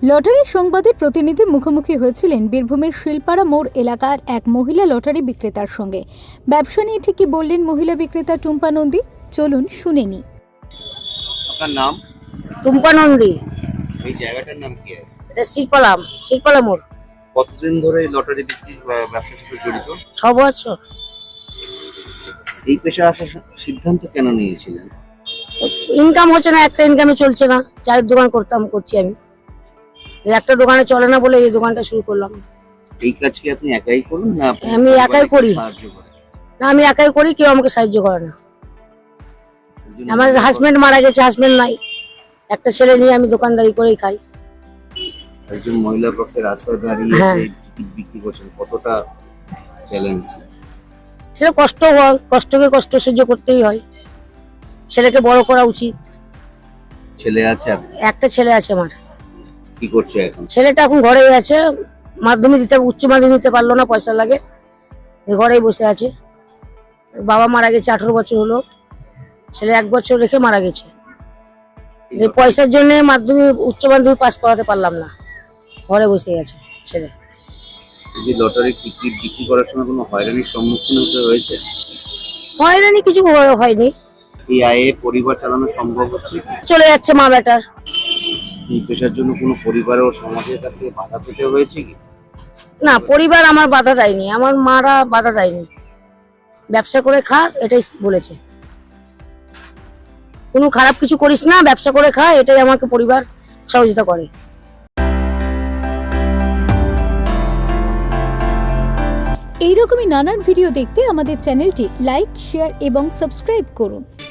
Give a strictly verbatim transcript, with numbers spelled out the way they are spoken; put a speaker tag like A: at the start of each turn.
A: Lottery সংবাদের প্রতিনিধি মুখোমুখি হয়েছিলেন বীরভূমের শিলপাড়া মোড় এলাকার এক মহিলা লটারি বিক্রেতার সঙ্গে। ব্যবসা নিয়ে ঠিক কি বললেন মহিলা বিক্রেতা টুম্পা নন্দী, চলুন শুনে নি।
B: আপনার নাম?
C: টুম্পা নন্দী।
B: এই জায়গাটার নাম কি আছে?
C: এটা শিলপাড়া, শিলপাড়া মোড়।
B: কতদিন ধরে এই লটারি বিক্রি বা- ব্যবসার সাথে জড়িত?
C: ছ বছর।
B: এই পেশা আসার সিদ্ধান্ত কেন নিয়েছিলেন?
C: ইনকাম হচ্ছে না, একটা ইনকামে চলছে না। চায়ের দোকান করতাম, করছি আমি। এই একটা দোকানে চলে না বলে এই দোকানটা শুরু করলাম।
B: এই কাজ কি আপনি একাই করুন না আপনার
C: আমি একাই
B: পরিবারে কেউ
C: করি।
B: সাহায্য করে?
C: না, আমি একাই করি, কেউ আমাকে সাহায্য করে না।
B: একজন
C: আমার
B: মহিলা
C: হাজবেন্ড মারা গেছে, হাজবেন্ড নাই। একটা ছেলে নিয়ে আমি দোকানদারি করেই খাই।
B: একজন মহিলা পক্ষে রাস্তায় দাঁড়িয়ে
C: হ্যাঁ।
B: এই টিকিট বিক্রি করছেন, কতটা চ্যালেঞ্জ?
C: সেটা কষ্ট হয়, কষ্টকে কষ্ট সহ্য করতেই হয়। ছেলেকে বড় করা উচিত।
B: ছেলে আছে আপনার?
C: একটা ছেলে আছে আমার।
B: কি করছে এখন?
C: ছেলেটা এখন ঘরেই আছে, মাধ্যমিক দিতে উচ্চ মাধ্যমিক দিতে পারলো না, পয়সা লাগে, এই ঘরেই বসে আছে। বাবা মারা গেছে আঠারো বছর হলো, ছেলে এক বছর রেখে মারা গেছে। এই পয়সার জন্য মাধ্যমিক উচ্চ মাধ্যমিক পাস করাতে পারলাম না, ঘরে বসে আছে ছেলে।
B: এই যে লটারি টিকিট বিক্রি করার সময় কোনো হয়রানির সম্মুখীন হতে হয়েছে?
C: হয়রানি কিছু হয়- হয়নি,
B: এই আয়ে পরিবার চালানো সম্ভব হচ্ছে?
C: চলে যাচ্ছে মা বেটার।
B: এই পেশার জন্য কোনো পরিবার ও সমাজের কাছ থেকে বাধা পেতে হয়েছে কি?
C: না, পরিবার আমার বাধা দেয়নি, আমার মারা বাধা দেয়নি। ব্যবসা করে খা, এটাই বলেছে। কোনো খারাপ কিছু করিস না, ব্যবসা করে খা, এটাই আমাকে পরিবার সহযোগিতা করে।
A: এইরকমই নানান ভিডিও দেখতে আমাদের চ্যানেলটি লাইক, শেয়ার এবং সাবস্ক্রাইব করুন।